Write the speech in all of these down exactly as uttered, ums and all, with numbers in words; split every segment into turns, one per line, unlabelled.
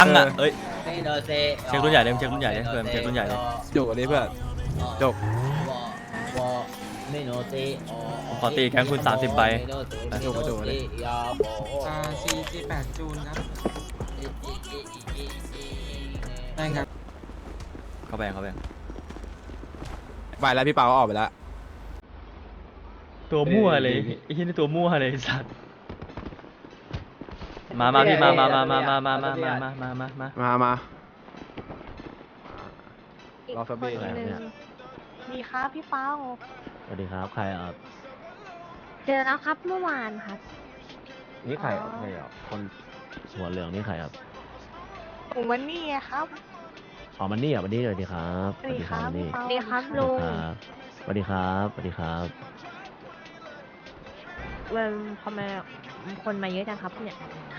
ตั้งอ่ะเอ้ย
เช็
เช็ครุ่นใหญ่เลยเช็ครุ่นใหญ่เลยเพื่อนเช็ครุ่นใหญ่เลย
จบอันนี้เพื่อนจบ
ผมขอตีแก๊งคุณสามสิบใบ
จบมาจบเลย
อ่าสี่สี่แปดจูนครับได้ครับ
เข้าไปเข้าไป
ไปแล้วพี่เปาออกไปแล้ว
ตัวมั่วเลยไอ้ที่นี่ตัวมั่วเลยสัตว์มามาพี่มามามามามามามามามามามา
มามา
อีก
รอ
ค
สั
น
กเบรก
หนึ่งดีครับพี่เป้า
สวัสดีครับใครอ่ะ
เจอแล้วครับเมื่อวานครับ
นี่ใคร
อ๋อ
ใครอ่ะคนหัวเหลืองนี่ใครครับ
ผมวันนี้ครับ
อ๋อมันนี่อ่ะมันนี่สวัสดีครับ
สวัสดีครับ
มันนี่
สวัสดีครับ
ส
ลุง
วัสดีครับสวัสดีครับ
เวันทำไมคนมาเยอะจังครับเนี่ย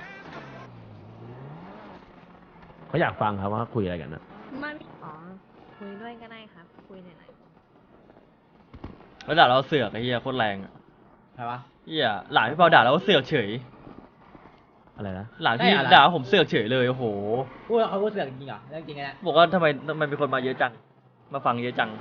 เขาอยากฟังครับว่าคุยอะไรกันนะ
ไม่อ๋อคุยด้วยก็ได้ครับ คุยหน่อย
แล้วด่าเราเสือกไอ้เหี้ยโคตรแรงอะ
ใครวะ
เหี้ยหลานพี่เปาด่าเราเสือกเฉย
อะไรนะ
หลานพี่
ได้อะไร
ด่าผมเสือกเฉยเลยโอ้โห
พูดเขาพูดเสือกจริงเหรอเรื่องจริงไงนะ
บอกว่าทำไมทำไมมีคนมาเยอะจังมาฟังเยอะจัง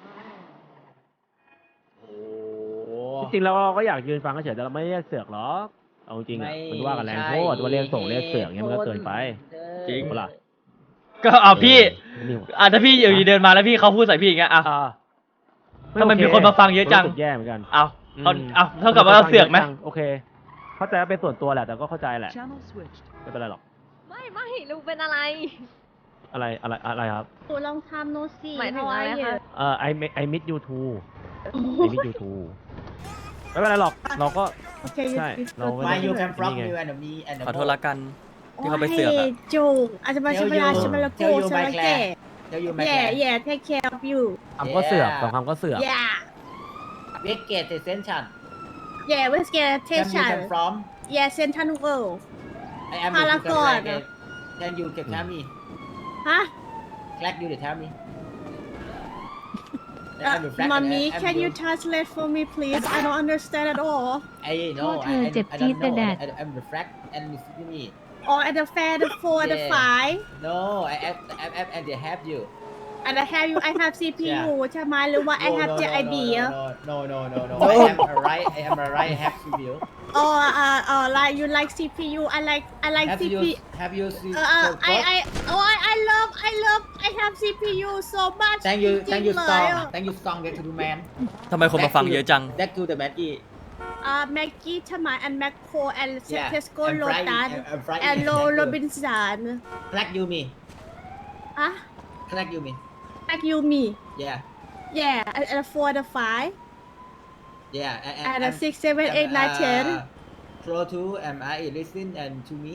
โอ้โห
จริงๆแล้วเราก็อยากยืนฟังเฉยๆแต่เราไม่ได้เสือกหรอกเอาจริงๆอ่ะมันว่ากันแรงโทษว่าเรียกส่งเรียกเสือกเงี้ยมันก็เกินไป
จริง
เปล่า
ก็เอาพี่
นี่
อ่ะถ้าพี่อยู่ดีเดินมาแล้วพี่เขาพูดใส่พี่อย่างเงี้ยอ่ะ
อ่า
ทำไมมีคนมาฟังเยอะจัง
รู้สึกแย่เหมือนกัน
เอาเขาเอาเท่ากับว่าเราเสือกไหม
โอเคเข้าใจว่าเป็นส่วนตัวแหละแต่ก็เข้าใจแหละไม่เป็นไรหรอก
ๆไม่ไม่ลุงเป็นอะไร
อะไรอะไรอะไรครับ
หนูลองทำโนสี
หมายถึงอะไรคะ
เอ่อ I mi- I miss you too I miss you too ไม่เป็นไรหรอกเราก็
โอเค
ใช่เราไม่
มา
ได้
อยู่แคมฟรอก
นี่ไง
อยู่แอนด์มีแอนด์
ขอโทษละกันที่เขาไปเสือกอะ
จูอาจจะมาชิมลาชิมลาโกชิมลาเก
เดี๋ยวอยู่แมค
แย่
แคร์
แย่ take care of you
คำก็เสือกสองคำก็เสือก
yeah
เวกเกตเซนชัน
yeah let's get
แคมยูแค
attention
มฟรอม
yeah central world
ไอแอม
พารากอน
แคนยูเก็บแทมมี่
ฮะ
แคลกยูเดอะแทมมี่
mommy can you translate for me please I don't understand at all
ไอ้โน่
โทษเธอเจ็บจี๊ดแต่แดด
ไอแอมเดอะแฟลกแอนด์มิสซิมี่
or at the fair the four the
Yeah.
five
no I am I am and they have you
and I have you I have ซี พี ยู ใช่ไหมหรือว่า I have เจ ไอ บี
no no no no no I am alright I am alright I have C P U
or uh uh like you like ซี พี ยู I like I like
have you
ซี พี
have you seen
Uh, uh, I, I, oh, I, I love, I love, I have ซี พี ยูso much.
thank you
จริ
thank
ง
you
ๆเลย
strong
อะ
thank you strong back to the man
ทำไมคนมาฟังเยอะจัง
back to the Maggie
อ่าแม็กกี้ใช่ไหม and Macro and
Yeah,
Tesco
and Fry-
Lotus
and- and Fry-
and Lo
Exactly.
Robinson
Black you me
อ่ะ
Black you me
Like you me
yeah
yeah and and four the five
yeah and,
and the six seven eight nine ten
flow to am I listen and to me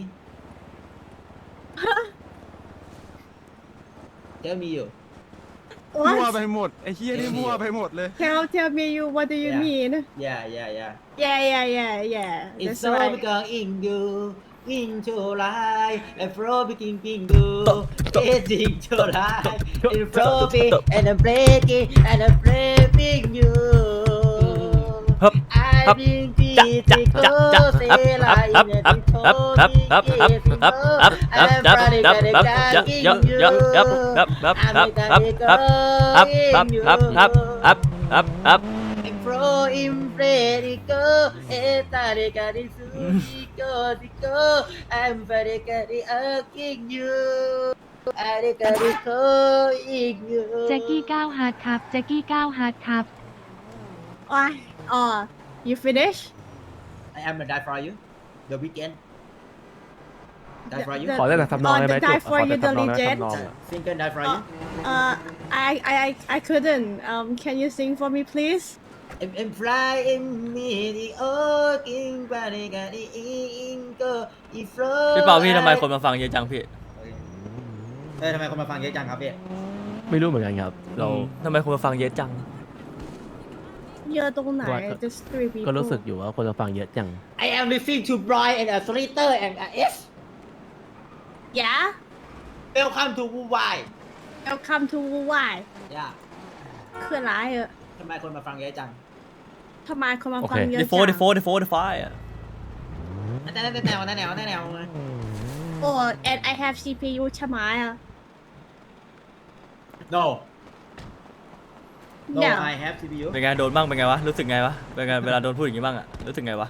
tell me you
มั่ว
what
ไปหมดไอ้เฮียนี่มั่วไปหมดเลย
tell tell me you what do you
Yeah.
mean
yeah yeah yeah
yeah yeah yeah yeah
It's
that's
so
right
because in you into life and flow begin ping do it's into life it's flow be and I'm breaking and I'm breaking you
ฮึบ
I bring peace to go say like in the I'm pro in Predico, Etarico, Dico, I'm very good at you. Arico, in you.
แจ็กกี้ก้าวฮาร์ดครับแจ็กกี้ก้าวฮาร์ดครับ
oh oh you finish
I am gonna die for you. The weekend. Die for you.
The-
ขอได้แต่ทำนองได้ไหม
Oh, the Die
จุ๊บ
for
ขอ
You
แต่ทำนองได้ไหม
Diligent
ทำนองอะ
Single die for you.
uh I I I I couldn't um can you sing for me please
I'm, I'm flying me the oking body got the ingo.
พี่เปาพี่ทำไมคนมาฟังเยอะจังพี่
เออทำไมคนมาฟังเยอะจังครับพี่
ไม่รู้เหมือนกันครับ เรา
ทำไมคนมาฟังเยอะจัง
เยอะตรงไหน
ว่าก็
just three people
ก็รู้สึกอยู่ว่าคนจะฟังเยอะจัง
I am listening to Brian and a Slater and a S.
yeah
Welcome to Wuwai.
welcome to Wuwai
ย่า
คืออะไรเหรอ
ทำไมคนมาฟังเยอะจัง
ทำไมคนมา
โอเค
ฟังเยอะ
เด
จั
โฟเดโฟเดโฟเดไฟอ่ะ
แต่แต่แนวแต่แนวแต่แนว
โอ้ oh and I have ซี พี ยู ใช่ไหมอ่ะ
no no
No.
I have ซี พี ยู
เป็นไงโดนบ้างเป็นไงวะรู้สึกไงวะเป็นไงเวลาโดนพูดอย่างงี้บ้างอะรู้สึกไงวะ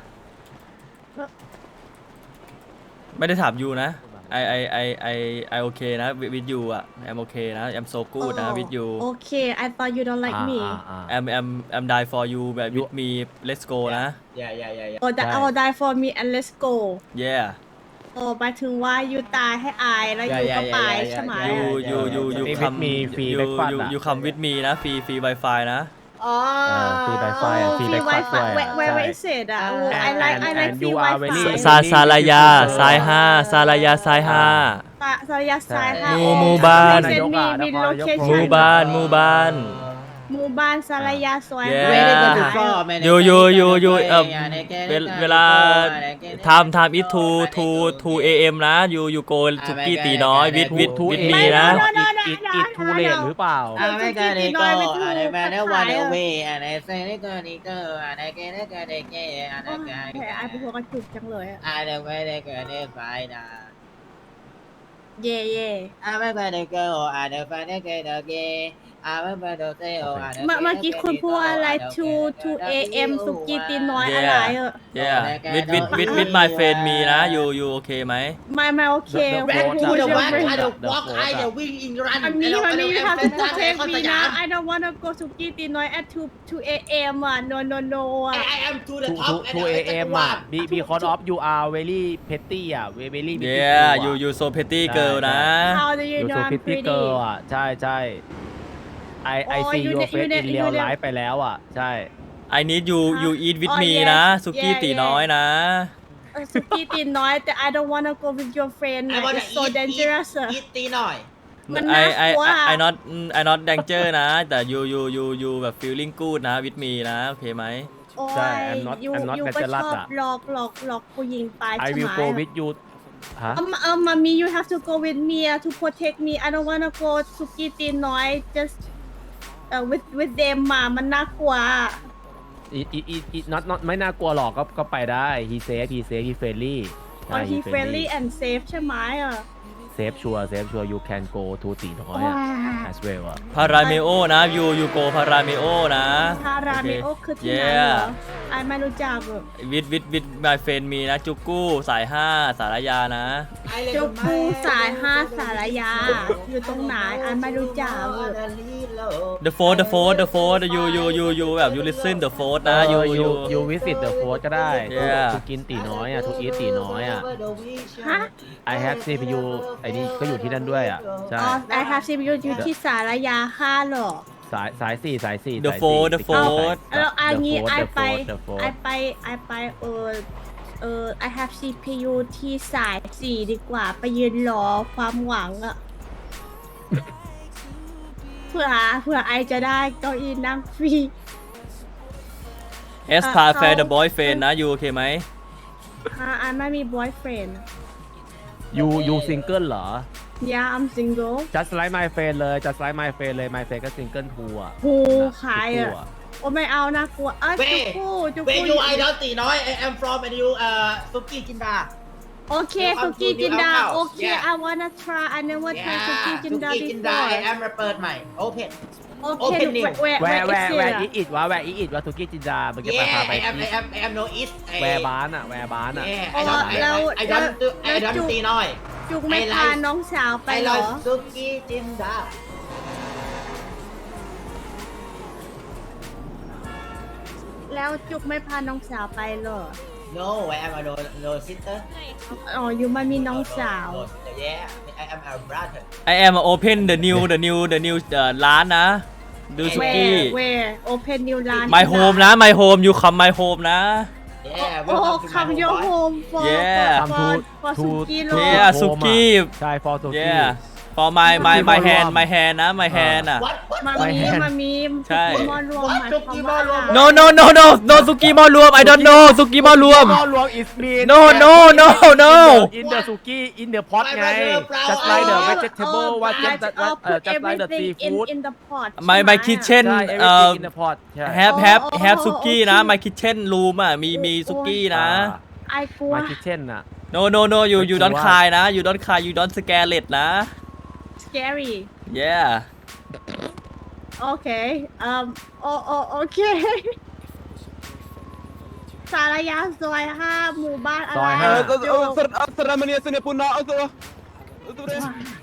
ไม่ได้ถามยูนะ I I I I I okay นะ with you อะ I'm okay นะ I'm so good นะ with you
Okay I thought you don't like me
อ่า
I'm I'm I'm die for you แบบ with me let's go นะ
yeah yeah yeah yeah
oh that
ใช่
oh die for me and let's go
yeah
โอ้หมายถึงว่ายูตายให้อายแล้วยูก็ไปใช่ไหม
you you you you
Stay with
come
me, free
you
breakfast
you
อะ
you come with me นะ free free wifi นะ
อ๋อ
เออ free Wi-Fi อะ free
ฟรี
breakfast ด้วย
Wi-Fi
อะ
where where
ใช่
where is it อ่ะ
And-
I like I
and-
like
and
free
you are
Wi-Fi
very-
ซาซาลายาซ้ายห้าซาลายาซ้ายห้า
ซาซายาซ้ายค่ะ
หมู่หมู่บ้าน
เซนมีมีโลเค
ห
ชั่
มู่
น
บ้านหมู่บ้าน
หมู่บ้านซาลายาซอย
Yeah
Where they go to from, man?
ยูยูยูยูเอ่อ
Yeah, they get
เว
it,
ล
they
เวลา
get it, they get it.
ไทม์ไทม์อีทูทูทูเอเอ็มนะยูยูโกสุกี้ตีน้อยวิดวิด
ทู
วิด
เอ
มี
เอ็
นะ
อีทอีททูเลทหรือเปล่า
I make a they go, and they man they want away, and they say they go, they go, and they get it, they get it, and
โอ้
they
ย
get
แผลไอเป็น
it.
หัวกระจุกจังเลยอะ
I the way they go, they find out.
เย่เย่
I make a they go, and they find they get again. I make a they go, and they
เมื่อเมื่อกี้คุณพูดอะไร two two a m สุกี้ตีน้อยอะไรเออ
yeah วิดวิดวิดวิด my friend มีนะยูยูโอเคไหม
ไม่ไม่โอเค
The- the
Back
vote
to
are-
the
the
walk,
vote
I
are-
don't
the
walk,
vote
I
are-
don't win in run.
อันนี้มันนี่ you have to protect me นะ I don't wanna go สุกี้ตีน้อย at two two a m อ่ะ no no no อ่ะ
I am to the
ทู
top.
ทูเอเอ็มอ่ะ be because of you are very petty อ่ะ very very petty
yeah
girl
ยู
อะ
ยูโซเพตตี้เกิลนะ
how do you
you
know
so
I'm
pretty
pretty
girl อ่ะ ใช่ใช่ I I
อ๋อ
see
you
your
ne- you
face
ne-
in
you
real
ne-
life ไปแล้วอ่ะ ใช่
I need you you eat with
อ๋อ
me
yes
นะสุกี้
yeah
ตี
yeah
น้อยนะ
เออสุกี้ตีน้อยแต่ I don't wanna go with your friend
I wanna
it's so
eat,
dangerous
eat, eat ตีหน่อย
มัน
I
น่า
I
กลัว
I I not I not danger นะ แต่ you you you you แบบ feeling good นะ with me นะ โอเคไหม
โอ้
ใช่
ย
I'm not-
ยู
I'm not
ยูก็
natural
ชอบ
อะ
หลอกหลอกหลอกผู้หญิงไป
I
ใช่ไห
will
ม
go with you ฮะ
เอมเอมมามี you have to go with me uh, to protect me I don't wanna go สุกี้ตีน้อย just เอ่อ with with them มามันน่ากลัว
อีอีอีอี not not ไม่น่ากลัวหรอกก็ก็ไปได้ he safe he safe he friendly ใช่
อ๋อ he friendly and safe ใช่ไหมอ่ะ
safe sure safe sure you can go to ตีน้อยอ่ะ as well อ่ะ
พาราเมโอนะ you you go พาราเมโอนะ
พาราเมโอคือที่ไหนเหร
yeah
อไอไม่รู้จักอ่ะ
with with with my friend มีนะ จุกกู้สายห้าสารยานะ
เจ้าปูสายห้าสารยา อยู่ตรงไหนไอไม่รู้จักอ่ะ
the fourth the fourth the fourth you you you you แบบ you listen the fourth นะ you you
you visit the fort ก็ได้
Yeah
ทุกกินตีน้อยอ่ะทุกอีทตีน้อยอ่ะ
ฮะ
I have ซี พี ยู ไอ้นี่ก็อยู่ที่นั่นด้วยอ่ะ ใช่
อ๋อ I have ซี พี ยู อยู่ที่สารยาห้าเหรอ
สายสายสี่สายสี่
The
สายสี่
Fort The
ติดกับ
Fort
สาย
แล้วอัน
The
นี้
Fort
ไอ
The
ไป
Fort The Fort
ไอไปไอไปเออเออ I have ซี พี ยู ที่สายสี่ดีกว่า ไปยืนรอความหวังอะเพื่อเพื่อไอจะได้เก้าอี้นั่งฟรี
S พาแฟน the boyfriend นะ you โอเคไหม
อ่าไอไม่มี boyfriend
you you single เหรอ
yeah I'm single
just like my friend เลย just like my friend เลย my friend ก็ single ทูอ่ะ
หูขาย
ทุก
อะ
คู่
โอ้ไม่เอานะกลัวเอ้ย
เว้
จุ
ย
กูจุ
Where
กู
you I don't ตีน้อย I am from and you เอ่อสุกี้จินดา
โอเค
You
สุ
come
กี้
to
จินดา
New House
โอเค
Yeah
I wanna try I never try สุกี้จินดา
สุกี้จินดา
before
I am มาเปิดใหม่ Open
โอเค
Open new
where
แว
where
ร์แว
is
ร์แว
it
ร์
อะ
อีอิดวะแวร์อีอิดวะทุกี้จินดามึงจะไป
Yeah
พาไป
I am
ที่
I am I am no east
แวร์บ้านอ่ะแวร์บ้านอ่ะ
Yeah
อ๋
I
อ
don't
แล้ว
I don't do
แล้
I
ว
don't
จุก
ตีน้อย
จุกไม่
I
พา
like
น้องสาวไป
I
เหรอ
like สุกี้จินดา
แล้วจุกไม่พาน้องสาวไปเหรอ
No I am a no no sister
อ๋ออยู่มันมีน้องสาว
No, no, Yeah I am a brother
I am open the new the new the new เอ่อร้านนะ ดูสุกี้
where where open new ร้าน
my home นะ my home you come my home นะ
Yeah
โอ้
welcome to my
come your
home
home for
Yeah
for
Come
for
to-
for
to-
สุกี้โล
Yeah สุกี้
ใช่ for สุกี้
yeah for my my my hand my hand นะ my hand อ่ะ
What what
มา
ไม่
มี
แห้ง
มามี
ใช่
สุกี้มอรวมหมายความว่า
no no no no no สุกี้มอรวม I don't know สุกี้มอรวม
หม้อรวม is mean
no no no no
in the suki in the pot ไง just
อ๋อ
like the vegetable
อ๋อ
what just
but,
what
uh,
เอ่อ
put
just like the
everything in
seafood
in the pot
my
ใช่ไห
my kitchen
ใช่
เอ่อ
everything in the pot ใช่
have have
อ๋อ
have
อ๋อ
สุกี้นะ
โอเค
my kitchen room อ่ะมีมีสุกี้นะ
ไอ้กลัว
my kitchen น่ะ
no no no you you don't cry นะ you don't cry you don't scare it นะ
scary
yeah
โอเคอืมโอโอโอเค สารยาซอยห้าหมู่บ้านอะไร
ซอยห้า
จุก
Seramania sini punah itu. Itu deh.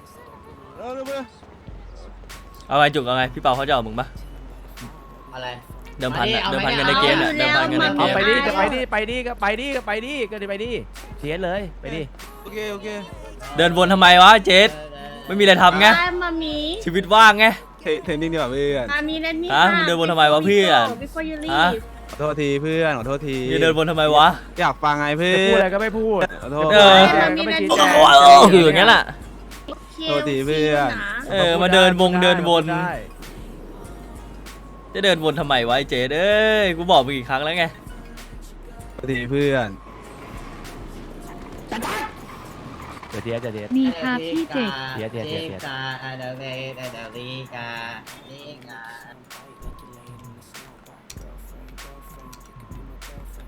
เอาไงจุกเอาไงพี่เปาเขาจะเอามึงปะ
อะไร
เดิมพันอะ
เอา
เดิม
ไหม
พันกันในเกมเนี่ย
เอา
เดิมพันกันใน
แล้ว
เก
เอา
ม
ไปดิจะไปดิไปดิก็ไปดิก็ไปดิก็ไปดิเทียนเลยไปดิ
Oke oke.
เดินวนทำไมวะเจสไม่มีอะไรทำไง
ได้มามี
ชีวิตว่างไง
Training nih Pak พื่อน
มามีนั่นนี่
ฮะมึงเดินวนทำไมวะเพื่อน
before you
ฮะ
leave
ขอโทษทีเพื่อนขอโทษที
อย่าเดินวนทำไมวะ
อยากฟังไงเพื่
จะ
อ
พูดอะไร
น
ก็ไม่พูด
ขอโทษ
เออ
แจงก็ไม่ชี้แจง
อยู่อย่างนั้นแหละ
โทษทีเพื่อน
เออมาเดินวงเดินวน
ได้
จะเดินวนทำไมวะไอ้เจสเอ้ยกูบอกมึงกี่ครั้งแล้วไง
ขอโทษทีเพื่อน
เดี๋ยวเทียนเดี๋ยวเทียน
มีครับพี่เจก
เดี๋ยวเดี๋ยวเดี๋ยว
กาอาดาเวดาดาลีกาลีกา